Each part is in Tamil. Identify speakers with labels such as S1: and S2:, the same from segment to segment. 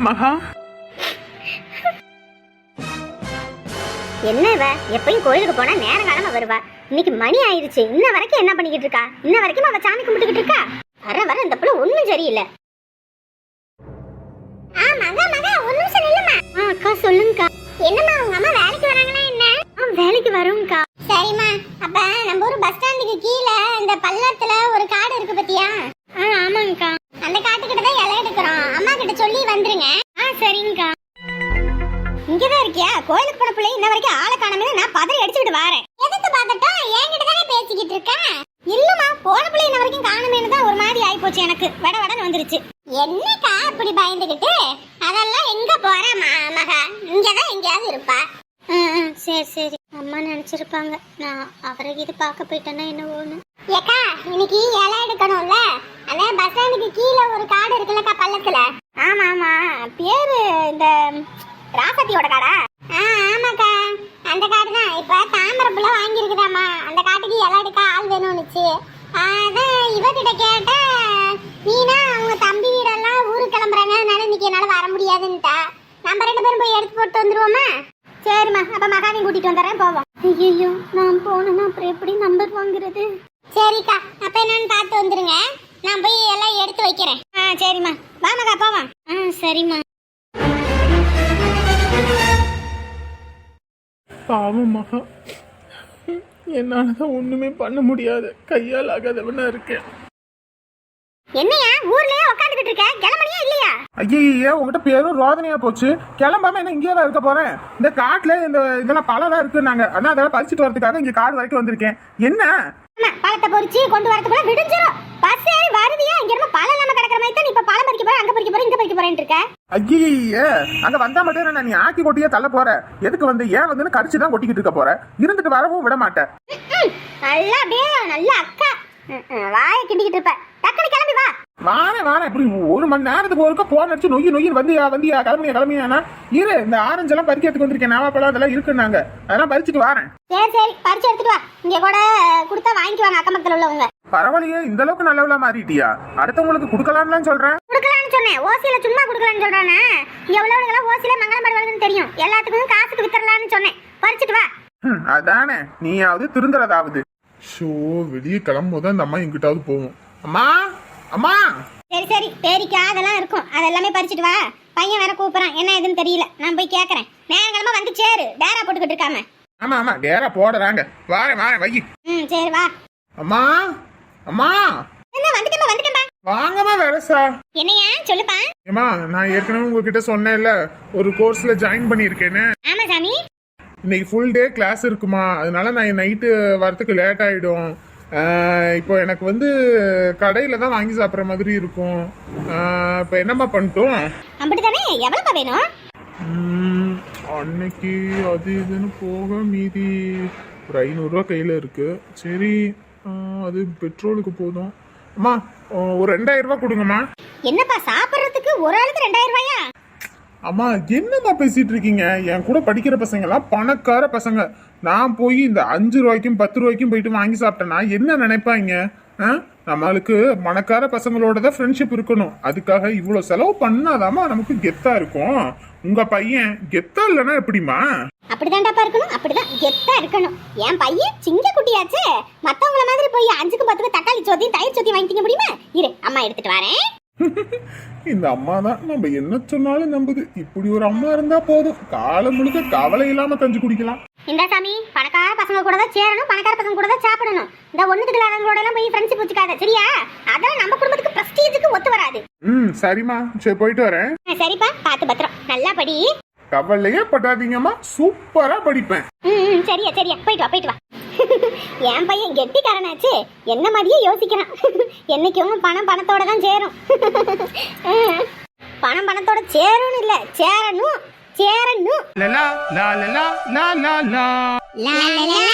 S1: மகா,
S2: என்ன இவ எப்பயும் கோயிலுக்கு போனா நேரம் காலமா வருவா. இன்னைக்கு மணி ஆயிருச்சு, இன்ன வரைக்கும் என்ன பண்ணிக்கிட்டு இருக்கா? இன்ன வரைக்கும் அவ சாமி கும்பிட்டுக்கிட்டு இருக்கா? வர வர இந்த பிள்ளை ஒண்ணும் சரியில்லை. அக்கா சொல்லுங்கக்கா. என்னம்மா உங்க அம்மா வேலைக்கு வராங்களா என்ன? வேலைக்கு வரோம்க்கா. சரிம்மா, அப்ப நம்ம ஊர் பஸ் ஸ்டாண்டுக்கு கீழே இந்த பள்ளத்துல ஒரு காடு இருக்கு பத்தியா? ஆமாங்கக்கா. அந்த காட்டுக்கிட்ட தான் இலை எடுக்கிறோம். அம்மா கிட்ட சொல்லி வந்துருங்க. சரிங்கக்கா. இங்கதான் இருக்கியா? கோயிலுக்கு போன பிள்ளை இன்ன வரைக்கும் ஆளை காணாம நான் பதறி அடிச்சுட்டு வரேன். எதுக்கு பாக்கட்டும்? என்கிட்ட தானே பேசிக்கிட்டு இருக்கேன். இல்லம்மா, போன பிள்ளை இன்ன வரைக்கும் காணாமேன்னு தான் ஒரு மாதிரி ஆயிப்போச்சு. எனக்கு வட வடன்னு வந்துருச்சு. என்னக்கா அப்படி பயந்துகிட்டு? அதெல்லாம் எங்க போற மகா? இங்கதான் எங்கேயாவது இருப்பா. சரி சரி, அம்மா நினைச்சிருப்பாங்க நான் அவரை இது பார்க்க போயிட்டேன்னா என்ன ஒண்ணு. ஏக்கா, இன்னைக்கு இலை எடுக்கணும்ல, அந்த பஸ் ஸ்டாண்டுக்கு கீழே ஒரு காடு இருக்குல்லக்கா பள்ளத்துல. ஆமா ஆமா, பேரு இந்த ராசத்தியோட காடா? ஆமாக்கா, அந்த காடு தான். இப்ப தாமரப்புல வாங்கியிருக்குதாமா. அந்த காட்டுக்கு இலை எடுக்க ஆள் வேணும்னுச்சு. அதான் இவகிட்ட கேட்டா, நீனா அவங்க தம்பி வீடெல்லாம் ஊருக்கு கிளம்புறாங்க, அதனால இன்னைக்கு என்னால வர முடியாதுன்னுட்டா. நம்ம 2 பேரும் போய் எடுத்து போட்டு வந்துருவோமா? சரிம்மா, அப்ப மகாவையும் கூட்டிட்டு வந்துடுறேன், போவோம். ஐயோ, நான் போனேன்னா அப்புறம் எப்படி நம்பர் வாங்குறது? சரிக்கா, அப்ப என்னன்னு பார்த்து வந்துருங்க. நான் போய் எல்லாம் எடுத்து வைக்கிறேன். சரிம்மா, வா மகா போவோம். சரிம்மா.
S1: பாவம் மகா, என்னாலதான் ஒண்ணுமே பண்ண முடியாது, கையால் ஆகாதவனா இருக்கேன்.
S2: என்னையா ஊர்லயே உட்காந்துக்கிட்டு இருக்க? கிளம்பணியா இல்லையா?
S1: ஐயே, உங்ககிட்ட பேரும் ரோதனையா போச்சு. கிளம்பாம என்ன இங்கே தான் இருக்க போறேன்? இந்த காட்டுல இதெல்லாம் பழம் இருக்குன்னாங்க, அதான் அதெல்லாம் பறிச்சுட்டு வரதுக்காக இங்க காடு வரைக்கும் வந்திருக்கேன். என்ன
S2: பழத்தை பொறிச்சு கொண்டு வரதுக்குள்ள விடிஞ்சிரும். பஸ் ஏறி வருவியா? இங்க இருந்து பழம் நம்ம கிடக்குற மாதிரி தான். இப்ப பழம் பறிக்க போற, அங்க பறிக்க போற, இங்க பறிக்க போறேன்னு இருக்க.
S1: ஐயே, அங்க வந்தா மட்டும் நான் நீ ஆக்கி கொட்டியே தள்ள போற. எதுக்கு வந்து ஏன் வந்து கரிச்சு தான் கொட்டிக்கிட்டு இருக்க போற? இருந்துட்டு வரவும் விட மாட்டேன்.
S2: நல்லா அப்படியே நல்ல அக்கா வாய கிண்டிக்கிட்டு இருப்ப. டக்குனு கிளம்பி வா.
S1: வாரேன் இப்படி 1 மணி நேரத்துக்கு ஒருக்க போன் அடிச்சு நொய்யு வந்தியா கிளம்பியானா? இரு, இந்த ஆரஞ்சு எல்லாம் பறிக்கிறதுக்கு வந்திருக்கேன். நாவாப்பழம் அதெல்லாம் இருக்குன்னாங்க, அதெல்லாம் பறிச்சுட்டு வரேன்.
S2: சரி பறிச்சு எடுத்துட்டு வா. இங்க கூட கொடுத்தா வாங்கிக்குவாங்க அக்கம் பக்கத்துல உள்ளவங்க.
S1: பரவாயில்லையே, இந்த அளவுக்கு நல்லவளா மாறிட்டியா? அடுத்தவங்களுக்கு குடுக்கலாம்னு சொல்றேன்.
S2: குடுக்கலாம்னு சொன்னேன், ஓசியில சும்மா குடுக்கலாம்னு சொல்றானே. இங்க உள்ளவங்க ஓசியில மங்களம் வருதுன்னு தெரியும். எல்லாத்துக்கும் காசுக்கு வித்தரலாம்னு சொன்னேன். பறிச்சுட்டு வா.
S1: அதானே, நீயாவது திருந்துறதாவது. ஷோ, வெளியே கிளம்பும்போது அந்த அம்மா எங்கிட்டாவது போவோம். அம்மா.
S2: சரி பேரிக்கா அதெல்லாம் இருக்கும், அதெல்லாமே பறிச்சுட்டு வா. பையன் வேற கூப்பிடுறான், என்ன எதுன்னு தெரியல. நான் போய் கேக்குறேன். நேரங்களமா வந்து சேரு, டேரா போட்டுக்கிட்டு இருக்காம.
S1: ஆமா டேரா போடுறாங்க. வாரேன் வை.
S2: சரி வா.
S1: அம்மா.
S2: என்ன வந்துட்டேன்.
S1: வாங்கம்மா வரசா.
S2: என்னையா சொல்லுப்பா.
S1: ஏமா, நான் ஏற்கனவே உங்ககிட்ட சொன்னேன்ல ஒரு கோர்ஸ்ல ஜாயின் பண்ணிருக்கேன்னு.
S2: ஆமா சாமி.
S1: இன்னைக்கு ஃபுல் டே கிளாஸ் இருக்குமா, அதனால நான் நைட்டு வரதுக்கு லேட் ஆயிடும். இப்போ எனக்கு வந்து கடையில தான் வாங்கி சாப்பிட்ற மாதிரி இருக்கும். இப்போ என்னம்மா பண்ணிட்டோம்?
S2: அப்படித்தானே, எவ்வளவு வேணும்?
S1: அன்னைக்கு அது இதுன்னு போக மீதி ஒரு 500 ரூபா கையில இருக்கு. சரி, அது பெட்ரோலுக்கு போதும். அம்மா, ஒரு 2000 ரூபா கொடுங்கம்மா.
S2: என்னப்பா சாப்பிட்றதுக்கு ஒரு ஆளுக்கு 2000 ரூபாயா?
S1: அம்மா, என்னம்மா பேசிட்டு இருக்கீங்க? என் கூட படிக்கிற பசங்க எல்லாம் பணக்கார பசங்க. நான் போய் இந்த 5 ரூபாய்க்கும் 10 ரூபாய்க்கும் போயிட்டு வாங்கி சாப்பிட்டேன்னா என்ன நினைப்பாங்க? நம்மளுக்கு பணக்கார பசங்களோட தான் ஃப்ரெண்ட்ஷிப் இருக்கணும். அதுக்காக இவ்வளவு செலவு பண்ணாதாமா நமக்கு கெத்தா இருக்கும். உங்க பையன் கெத்தா இல்லைன்னா எப்படிமா?
S2: அப்படிதான்டாப்பா இருக்கணும், அப்படிதான் கெத்தா இருக்கணும். என் பையன் சிங்க குட்டியாச்சு. மத்தவங்கள மாதிரி போய் 5க்கு 10க்கு தக்காளி சோத்தி தயிர் சோத்தி வாங்கிக்க முடியுமா? இரு, அம்மா எடுத்துட்டு வரேன்.
S1: இந்த அம்மா தான் நம்ம என்ன சொன்னாலும் நம்புது. இப்படி ஒரு அம்மா இருந்தா போதும், காலம் முழுக்க கவலை இல்லாம கஞ்சி குடிக்கலாம்.
S2: இந்த சாமி, பணக்கார பசங்க கூட தான் சேரணும், பணக்கார பசங்க கூட தான் சாப்பிடணும். இந்த ஒண்ணுக்கு இல்லாதவங்களோட எல்லாம் போய் ஃப்ரெண்ட்ஷிப் வச்சுக்காத, சரியா? அதெல்லாம் நம்ம குடும்பத்துக்கு பிரஸ்டீஜுக்கு ஒத்து வராது.
S1: சரிம்மா, சரி போயிட்டு வரேன்.
S2: சரிப்பா, பாத்து பத்திரம், நல்லா படி.
S1: கவலையே படாதீங்கம்மா, சூப்பரா படிப்பேன்.
S2: சரியா போயிட்டு வா. என் பையன் கெட்டிக்காரனாச்சு, என்ன மாதிரியே யோசிக்கிறான். என்னைக்கும் பணத்தோட தான் சேரும். பணத்தோட சேரும் இல்ல, சேரணும்.
S1: லலா லா லலா லா லா லா லா லலா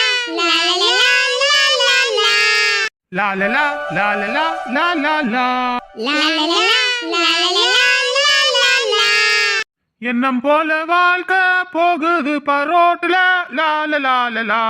S1: லா லா லா. எண்ணம் போல வாழ்க்கை போகுது பரோட்டுல. லா லா லா.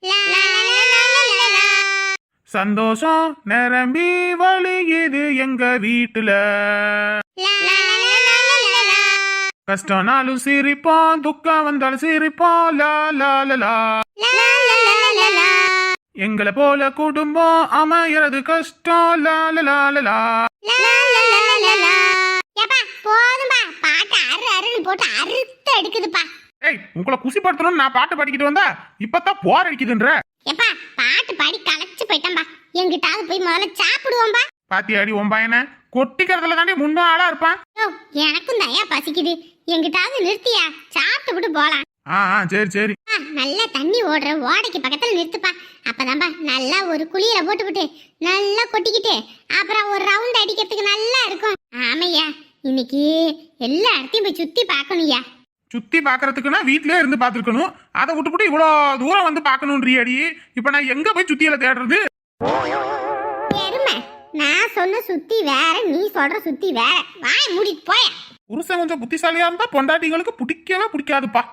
S1: சந்தோஷம் நிரம்பி வழியுது எங்க வீட்டுல. கஷ்டம்னாலும் சிரிப்போம், துக்கம் வந்தாலும் சிரிப்போம், லா லா லா லா.
S2: லா, லா, லா, லா, லா.
S1: எங்களை போல குடும்பம் அமையறது கஷ்டம், லா லா லா லா லா.
S2: லா, லா, லா, லா, லா, லா. ஏப்பா, போதும்பா. பாட்டு அருன்னு போட்டு அறுத்து எடுக்குதுப்பா.
S1: ஏய், உங்களை குசிப்படுத்தணும்னு நான் பாட்டு பாடிக்கிட்டு வந்தா இப்பதான் போர் அடிக்குதுன்ற.
S2: ஏப்பா, பாட்டு பாடி களைச்சு போயிட்டேன்பா. எங்கிட்டாவது போய் முதல்ல சாப்பிடுவோம்பா.
S1: பாத்தியாடி உன் பையனை கொட்டிக்கிறதுல தாண்டி முன்பா ஆளா இருப்பான்.
S2: யோ, எனக்கும் தயா பசிக்குது. எங்கிட்டாவது நிறுத்தியா, சாப்பிட்டு போலாம்.
S1: சரி சரி.
S2: நல்லா தண்ணி ஓடுற ஓடைக்கு பக்கத்துல நிறுத்துப்பா. அப்பதான்பா நல்லா ஒரு குளியல போட்டுக்கிட்டு நல்லா கொட்டிக்கிட்டு அப்புறம் ஒரு ரவுண்ட் அடிக்கிறதுக்கு நல்லா இருக்கும். ஆமையா, இன்னைக்கு எல்லா இடத்தையும் போய் சுத்தி பார்க்கணும்யா.
S1: சுத்தி பாக்குறதுக்குன்னா வீட்லயே இருந்து பாத்துருக்கணும். அதை விட்டுப்புட்டு இவ்வளவு தூரம் வந்து பாக்கணும்ன்றியடி. இப்ப நான் எங்க போய் சுத்தியில தேடுறது?
S2: எருமை, நான் சொன்ன சுத்தி வேற, நீ சொல்ற சுத்தி வேற. வாய் மூடிட்டு போய.
S1: புருஷன் கொஞ்சம் புத்திசாலியா இருந்தா பொண்டாட்டிங்களுக்கு பிடிக்கவே பிடிக்காதுப்பா.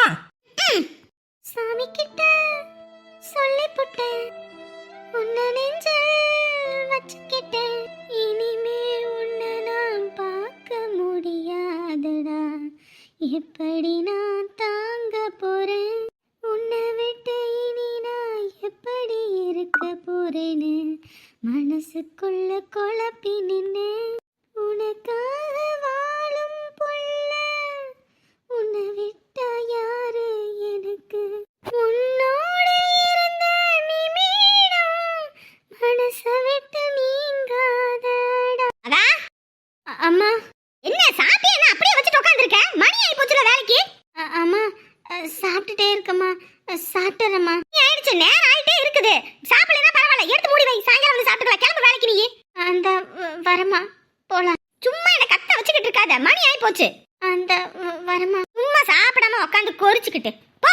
S2: சாமி கிட்ட சொல்லி போட்டேன், உன்னை நெஞ்சில் வச்சுக்கிட்டேன். இனிமே உன்னை நான் பார்க்க முடியாதடா. எப்படி நான் தாங்க போறேன் உன்னை விட்டு, இனி நான் எப்படி இருக்க போறேன்னு மனசுக்குள்ள குழப்பி நின்னு. உனக்காக வாழும் புள்ள, உன்னை விட்டா யாரு எனக்கு? உன்னோட இருந்த நிமிடம் மனசை விட்டு நீங்காதடா. அதா அம்மா, என்ன சாப்பிட்டியா? என்ன அப்படியே வச்சுட்டு உட்கார்ந்திருக்க? மணி ஆயி போச்சுல வேலைக்கு. அம்மா, சாப்பிட்டுட்டே இருக்கம்மா. சாப்பிட்டுறேம்மா. ஆயிடுச்சு, நேரம் ஆயிட்டே இருக்குது. சாப்பிடலனா பரவாயில்ல, எடுத்து மூடி வை. சாயங்காலம் வந்து சாப்பிட்டுக்கலாம். கிளம்பு வேலைக்கு நீ. அந்த வரமா போலாம். சும்மா என்ன கத்த வச்சுக்கிட்டு இருக்காத, மணி ஆயி போச்சு. அந்த வரமா. சும்மா சாப்பிடாம உட்காந்து கொறிச்சுக்கிட்டு போ.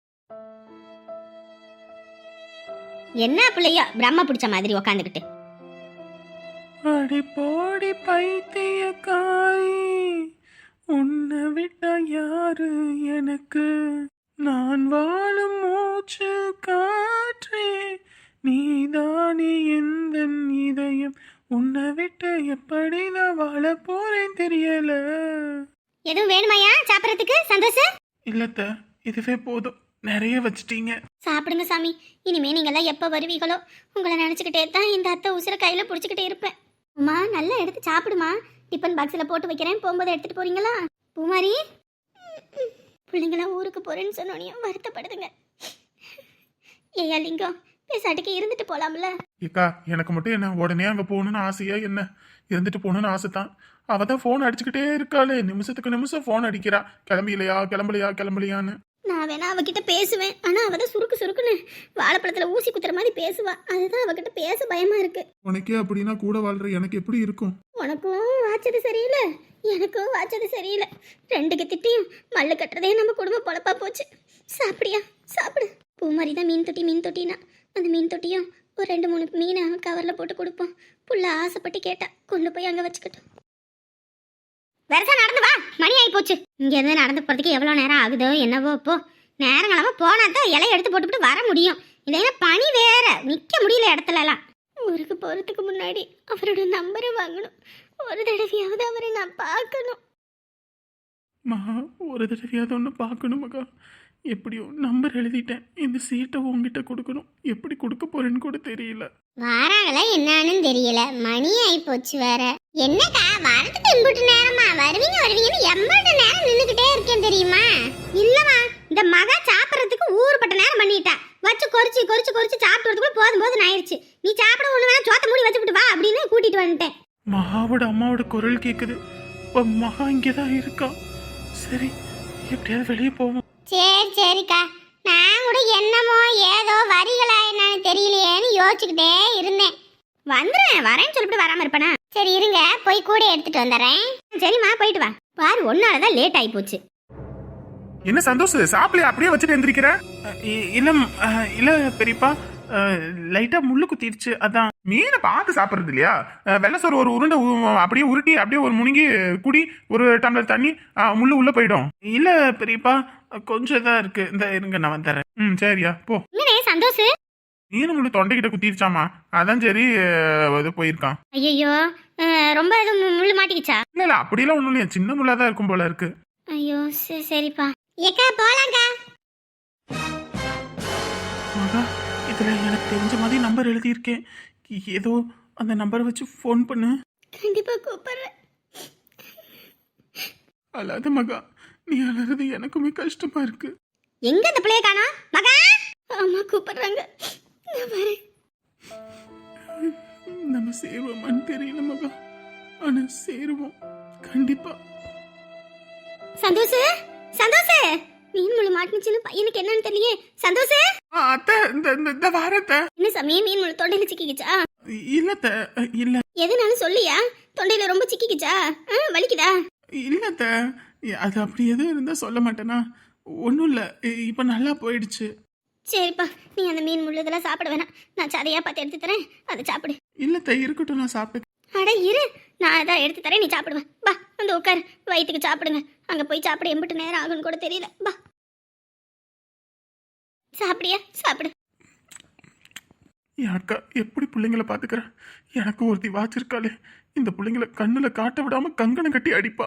S2: என்ன பிள்ளையோ பிரம்ம பிடிச்ச மாதிரி உட்காந்துக்கிட்டு.
S1: அடி போடி பைத்திய காய், உன்னை விட்டா யாரு எனக்கு? நான் வாழும் மூச்சு காற்றே, நீதானே எந்த இதயம். உன்னை விட்டு எப்படி நான் வாழ போறேன் தெரியல.
S2: எதுவும் வேணுமாயா சாப்பிடறதுக்கு? சந்தோஷம்
S1: இல்லத்த, இதுவே போதும். நிறைய வச்சிட்டீங்க.
S2: சாப்பிடுங்க சாமி. இனிமே நீங்கெல்லாம் எப்ப வருவீங்களோ உங்களை நினைச்சுக்கிட்டே தான் இந்த அத்தை உசுர கையில புடிச்சுக்கிட்டே இருப்பேன். அம்மா, நல்லா எடுத்து சாப்பிடுமா. டிஃபன் பாக்ஸ்ல போட்டு வைக்கிறேன், போகும்போது எடுத்துட்டு போறீங்களா? பூமாரி, பிள்ளைங்களாம் ஊருக்கு போறேன்னு சொன்னோனையும் வருத்தப்படுதுங்க. ஏயா லிங்கம், பேசாட்டுக்கு இருந்துட்டு போலாம்ல.
S1: ஏக்கா, எனக்கு மட்டும் என்ன உடனே அங்க போகணும்னு ஆசையா? என்ன இருந்துட்டு போகணும்னு ஆசை தான். அவ தான் போன் அடிச்சுக்கிட்டே இருக்காளே, நிமிஷத்துக்கு நிமிஷம் போன் அடிக்கிறா. கிளம்பிலையா கிளம்பலையா கிளம்பலையான்னு.
S2: நான் வேணா அவகிட்ட பேசுவேன், ஆனா அவதான் சுருக்கு சுருக்குன்னு வாழைப்பழத்துல ஊசி குத்துற மாதிரி பேசுவா. அதுதான் அவகிட்ட பேச பயமா இருக்கு.
S1: உனக்கே அப்படின்னா கூட வாழ்ற எனக்கு எப்படி இருக்கும்?
S2: உனக்கும் வாச்சது சரியில்லை, எனக்கும் வாச்சது சரியில்லை. ரெண்டுக்கு திட்டியும் மல்லு கட்டுறதே நம்ம குடும்ப பொழப்பா போச்சு. சாப்பிடியா? சாப்பிடு. பூ மாதிரி தான் மீன் தொட்டினா அந்த மீன் தொட்டியும் ஒரு 2-3 மீனை கவர்ல போட்டு கொடுப்போம். புள்ள ஆசைப்பட்டு கேட்டா, கொண்டு போய் அங்க வச்சுக்கிட்டோம். வெரசா நடந்து வா, மணி ஆகி போச்சு. இங்க இருந்து நடந்து போறதுக்கு எவ்வளவு நேரம் ஆகுதோ என்னவோ. இப்போ நேரங்களமா போனா தான் இலையை எடுத்து போட்டுவிட்டு வர முடியும். இல்லைன்னா பனி வேற, நிக்க முடியல இடத்துல எல்லாம். ஊருக்கு போறதுக்கு முன்னாடி அவரோட நம்பரை வாங்கணும். ஒரு தடவையாவது அவரை நான் பார்க்கணும்.
S1: ஒரு தடவையாவது ஒன்று பார்க்கணும் மகா. எப்படியோ நம்பர் எழுதிட்டேன். இந்த சீட்டை உங்ககிட்ட கொடுக்கணும். எப்படி கொடுக்க போறேன்னு கூட தெரியல.
S2: வாராங்களா என்னன்னு தெரியல, மணி ஆகி போச்சு வேற. என்னக்கா வரதுக்கு இம்புட்டு நேரமா? வருவீங்கன்னு எம்பட்டு நேரம் நின்னுக்கிட்டே இருக்கேன் தெரியுமா? இல்லமா, இந்த மகா சாப்பிட்றதுக்கு ஊறுபட்ட நேரம் பண்ணிட்டா. வச்சு கொறிச்சு சாப்பிட்றதுக்குள்ள போதும் ஆயிடுச்சு. நீ சாப்பிட ஒண்ணு வேணா சோத்த மூடி வச்சுக்கிட்டு வா அப்படின்னு கூட்டிட்டு வந்துட்டேன்.
S1: மகாவோட அம்மாவோட குரல் கேக்குது. மகா இங்கதான் இருக்கா. சரி, எப்படியாவது வெளியே போவோம்.
S2: சரிக்கா, நான் கூட என்னமோ ஏதோ வரிகளா என்னன்னு தெரியலையேன்னு யோசிச்சுக்கிட்டே இருந்தேன். வரேன்னு சொல்லிட்டு வராம இருப்பேனா? சரி இருங்க, போய் கூட எடுத்துட்டு வந்துடுறேன். சரிம்மா, போயிட்டு வா. பாரு, ஒன்னாலதான் லேட் ஆகி போச்சு.
S1: என்ன சந்தோஷ், சாப்பிடல அப்படியே வச்சுட்டு எந்திரிக்கிற? இல்ல பெரியப்பா, லைட்டா முள்ளு குத்திடுச்சு, அதான். மீனை பார்த்து சாப்பிடுறது இல்லையா? வெள்ளசோறு ஒரு உருண்டை அப்படியே உருட்டி அப்படியே ஒரு முழுங்கி குடி. ஒரு டம்ளர் தண்ணி, முள்ளு உள்ள போயிடும். இல்ல பெரியப்பா, கொஞ்சம் தான் இருக்கு. இந்த இருங்க, நான் வந்துடுறேன். சரியா, போ.
S2: சந்தோஷ்,
S1: மீன் முள்ளு தொண்டைக்கிட்ட குத்திடுச்சாமா, அதான் சரி இது போயிருக்கான்.
S2: ஐயோ, ரொம்ப முள்ளு மாட்டிக்கிச்சா?
S1: இல்ல அப்படிலாம் ஒண்ணும் இல்லையா, சின்ன முள்ளாதான் இருக்கும் போல இருக்கு.
S2: ஐயோ சரிப்பா. ஏக்கா போலாம்க்கா.
S3: மகா இதுல எனக்கு தெரிஞ்ச மாதிரி நம்பர் எழுதியிருக்கேன். ஏதோ அந்த நம்பரை வச்சு ஃபோன் பண்ணு.
S2: கண்டிப்பா கூப்பிடுறேன்.
S3: அழாத மகா, நீ அழறது எனக்குமே கஷ்டமா இருக்கு.
S2: எங்க அந்த பிள்ளைய காணோம்? மகா அம்மா கூப்பிடுறாங்க. நான் வரேன்.
S3: நம்ம சேருவோமான்னு தெரியல மகா, ஆனா சேருவோம் கண்டிப்பா.
S2: சந்தோஷ் சந்தோஷ் மீன் முழு மாட்டுச்சுன்னு பையனுக்கு என்னன்னு தெரியலையே. சந்தோஷ்
S3: அத்தை இந்த வாரத்தை
S2: என்ன சமயம் மீன் முழு தொண்டையில சிக்கிக்கிச்சா?
S3: இல்லத்த இல்ல
S2: எதுனாலும் சொல்லியா? தொண்டையில ரொம்ப சிக்கிக்கிச்சா? வலிக்குதா?
S3: இல்லத்த, அது அப்படி எதுவும் இருந்தா சொல்ல மாட்டேனா. ஒன்றும் இல்லை, இப்போ நல்லா போயிடுச்சு.
S2: சரிப்பா, நீ அந்த மீன் முள்ளு இதெல்லாம் சாப்பிட வேணாம். நான் சதையா பார்த்து எடுத்து தரேன், அதை சாப்பிடு.
S3: இல்லத்த இருக்கட்டும், நான் சாப்பிட்டு.
S2: அட இரு, நான் அதான் எடுத்து தரேன், நீ சாப்பிடுவேன். பா வந்து உட்காரு, வயிற்றுக்கு சாப்பிடுங்க. அங்கே போய் சாப்பிட எம்பிட்டு நேரம் ஆகுன்னு கூட தெரியல. பா சாப்பிடியா? சாப்பிடு.
S3: என் அக்கா எப்படி பிள்ளைங்களை பார்த்துக்கிறா. எனக்கு ஒருத்தி வாச்சிருக்காளே, இந்த பிள்ளைங்களை கண்ணில் காட்ட விடாம கங்கணம் கட்டி அடிப்பா.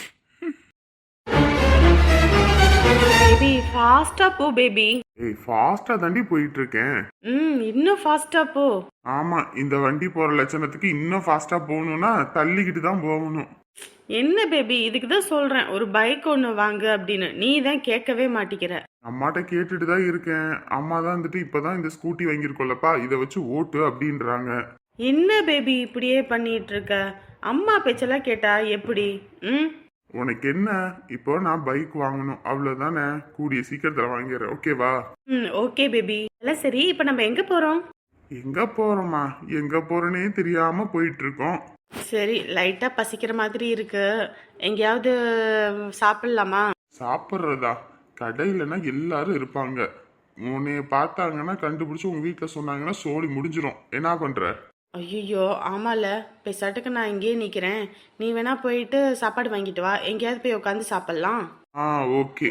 S4: பேபி ஃபாஸ்டா போ பேபி.
S1: ஏய் ஃபாஸ்டா தாண்டி போயிட்டு இருக்கேன்.
S4: இன்னும் ஃபாஸ்டா போ.
S1: ஆமா, இந்த வண்டி போற லட்சணத்துக்கு இன்னும் ஃபாஸ்டா போகணும்னா தள்ளிக்கிட்டு தான் போகணும்.
S4: என்ன பேபி, இதுக்கு தான் சொல்றேன் ஒரு பைக் ஒன்று வாங்கு அப்படின்னு. நீ தான் கேட்கவே மாட்டிக்கிற.
S1: அம்மாட்ட கேட்டுட்டு தான் இருக்கேன். அம்மா தான் வந்துட்டு இப்பதான் இந்த ஸ்கூட்டி வாங்கியிருக்கோல்லப்பா, இதை வச்சு ஓட்டு அப்படின்றாங்க.
S4: என்ன பேபி இப்படியே பண்ணிட்டு இருக்க? அம்மா பேச்செல்லாம் கேட்டா எப்படி?
S1: உனக்கு என்ன, இப்போ நான் பைக் வாங்கணும் அவ்வளவுதானே, கூடிய சீக்கிரத்துல வாங்கிடுறேன், ஓகேவா?
S4: Okay baby. எல்லாம் சரி, இப்போ நம்ம எங்க போறோம்?
S1: எங்க போறோமா, எங்க போறோன்னே தெரியாம போயிட்டு இருக்கோம்.
S4: சரி, லைட்டா பசிக்கிற மாதிரி இருக்கு, எங்கேயாவது சாப்பிடலாமா?
S1: சாப்பிட்றதா? கடையிலனா எல்லாரும் இருப்பாங்க, உன்னைய பார்த்தாங்கன்னா கண்டுபிடிச்சு உங்க வீட்டுல சொன்னாங்கன்னா சோழி முடிஞ்சிரும். என்ன பண்ற?
S4: ஐயோ ஆமால, பெசாட்டுக்கு நான் இங்கேயே நிக்கிறேன். நீ வேணா போயிட்டு சாப்பாடு வாங்கிட்டு வா, எங்கேயாவது போய் உட்காந்து சாப்பிடலாம்.
S1: ஓகே.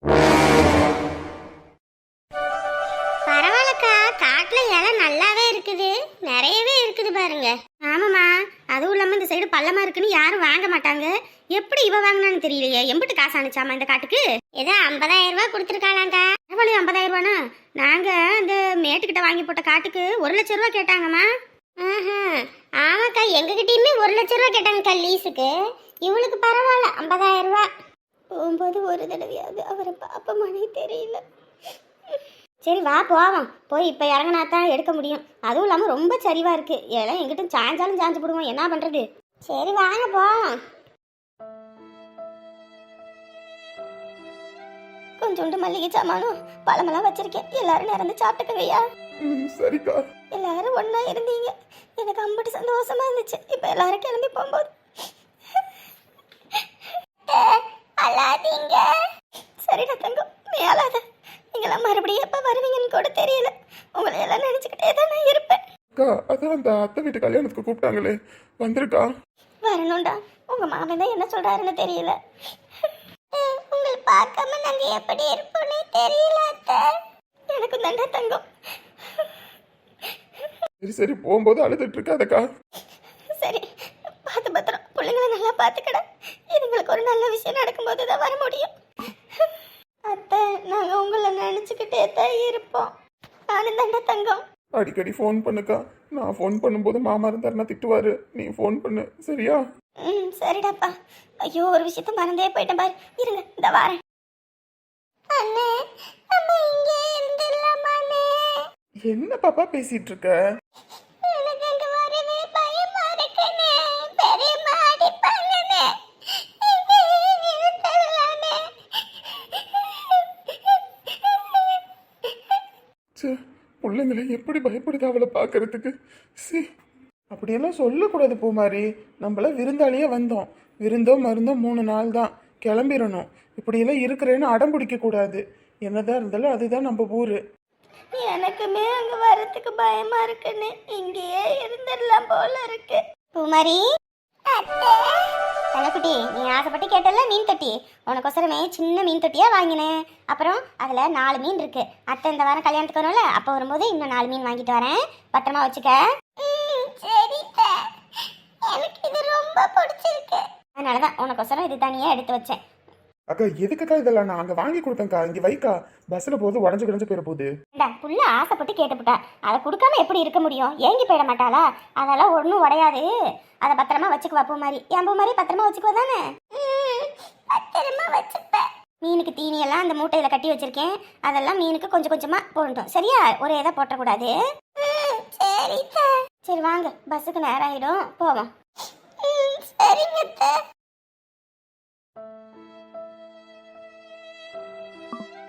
S2: பரவாயில்லக்கா, காட்டுல இலை நல்லாவே இருக்குது, நிறையவே இருக்குது பாருங்க. ஆமாம்மா, அதுவும் இல்லாம இந்த சைடு பள்ளமா இருக்குன்னு யாரும் வாங்க மாட்டாங்க. எப்படி இவ வாங்கினான்னு தெரியலையே. எம்பிட்டு காசு அனுச்சாமா இந்த காட்டுக்கு? ஏதோ 50,000 ரூபாய் கொடுத்துருக்காளாங்க. எவ்வளவு 50,000 ரூபானா? நாங்க அந்த மேட்டுக்கிட்ட வாங்கி போட்ட காட்டுக்கு 1,00,000 ரூபாய் கேட்டாங்கம்மா. ஆமாக்கா, எங்ககிட்டயுமே 1,00,000 ரூபாய் கேட்டாங்கக்கா லீஸுக்கு. இவளுக்கு பரவாயில்ல 50,000 ரூபாய். போகும்போது ஒரு தடவையாவது அவரை பாப்பமானே தெரியல. சரி வா போவோம். போய் இப்போ இறங்கினா தான் எடுக்க முடியும். அதுவும் இல்லாமல் ரொம்ப சரிவா இருக்கு. எல்லாம் எங்கிட்ட சாஞ்சாலும் சாஞ்சு போடுவோம், என்ன பண்றது? சரி வாங்க போவோம். கொஞ்சோண்டு மல்லிகை சாமானும் பழமெல்லாம் வச்சிருக்கேன், எல்லாரும் நிறந்து சாப்பிட்டுக்கங்கய்யா.
S3: சரிக்கா.
S2: எல்லாரும் ஒன்னா இருந்தீங்க, எனக்கு அம்பட்டு சந்தோஷமா இருந்துச்சு. இப்ப எல்லாரும் கிளம்பி போகும்போது அழாதீங்க. சரிடா தங்கம், நீ அழாத. நீங்களாம் மறுபடியும் எப்ப வருவீங்கன்னு கூட தெரியல. உங்களை எல்லாம் நினைச்சுக்கிட்டே தான் நான் இருப்பேன்.
S3: அக்கா, அதான் அந்த அத்தை வீட்டு கல்யாணத்துக்கு கூப்பிட்டாங்களே, வந்திருக்கா?
S2: வரணும்டா. உங்க மாமன் தான் என்ன சொல்றாருன்னு தெரியல. உங்களை பார்க்காம நாங்க எப்படி இருப்போம்னே தெரியல அத்தை. எனக்கு தண்டா தங்கம்.
S3: சரி சரி, போகும்போது அழுதுட்டு இருக்காதக்கா.
S2: சரி, பார்த்து பத்திரம். பிள்ளைங்களை நல்லா பார்த்துக்கட. இதுங்களுக்கு ஒரு நல்ல விஷயம் நடக்கும்போது தான் வர முடியும். அத்தை, நாங்க உங்களை நினைச்சுக்கிட்டே தான் இருப்போம். நானும் தண்டா தங்கம்.
S3: அடிக்கடி ஃபோன் பண்ணுக்கா. நான் ஃபோன் பண்ணும்போது மாமா இருந்தாருன்னா திட்டுவாரு, நீ ஃபோன் பண்ணு சரியா?
S2: சரிடாப்பா. ஐயோ, ஒரு விஷயத்த மறந்தே போயிட்டேன் பாரு. இருங்க, இந்த வாரேன். அண்ணே, நம்ம இங்கே இருந்துடலாமாண்ணே?
S3: என்ன பாப்பா பேசிட்டு இருக்க?
S2: எனக்கு அங்க வரவே பயமா இருக்குண்ணே. பெரியம்மா அடிப்பாங்கண்ணே. நிறுத்தலாமே.
S3: பிள்ளைங்களை எப்படி பயப்படுது அவளை பார்க்கறதுக்கு. சி, அப்படியெல்லாம் சொல்லக்கூடாது பூமாரி. நம்மள விருந்தாளியே வந்தோம், விருந்தோ மருந்தோ 3 நாள் தான், கிளம்பிடணும். இப்படியெல்லாம் இருக்கிறேன்னு அடம் பிடிக்க கூடாது. என்னதான் இருந்தாலும் அதுதான் நம்ம ஊரு.
S2: எனக்குமே அங்க வரதுக்கு பயமா இருக்குன்னு இங்கேயே இருந்துடலாம் போல இருக்கு. பூமாரி, தனக்குட்டி, நீ ஆசைப்பட்டு கேட்டல மீன் தொட்டி. உனக்கொசரமே சின்ன மீன் தொட்டியா வாங்கினேன். அப்புறம் அதுல 4 மீன் இருக்கு. அத்தை இந்த வாரம் கல்யாணத்துக்கு வரும்ல, அப்போ வரும்போது இன்னும் 4 மீன் வாங்கிட்டு வரேன், பத்திரமா வச்சுக்க. எனக்கு இது ரொம்ப பிடிச்சிருக்கு, அதனாலதான் உனக்கொசரம் இது தனியா எடுத்து வச்சேன்.
S3: அக்கா எதுக்குக்கா இதெல்லாம் நான் அங்க வாங்கி கொடுத்தேன்க்கா இங்க வைக்கா பஸ்ல போகுது உடஞ்சு கிடஞ்சு போயிட போகுது.
S2: புள்ள ஆசைப்பட்டு கேட்டுப்புட்டா, அதை கொடுக்காம எப்படி இருக்க முடியும்? ஏங்கி போயிட மாட்டாளா? அதெல்லாம் ஒன்றும் உடையாது. அதை பத்திரமா வச்சுக்குவா பூ மாதிரி. என் பூ மாதிரி பத்திரமா வச்சுக்குவா தானே? பத்திரமா வச்சுப்பேன். மீனுக்கு தீனியெல்லாம் அந்த மூட்டையில கட்டி வச்சிருக்கேன். அதெல்லாம் மீனுக்கு கொஞ்சம் கொஞ்சமா போடட்டும், சரியா? ஒரே இதை போட்டக்கூடாது. சரி வாங்க, பஸ்ஸுக்கு நேரம் ஆயிடும், போவோம். சரிங்க.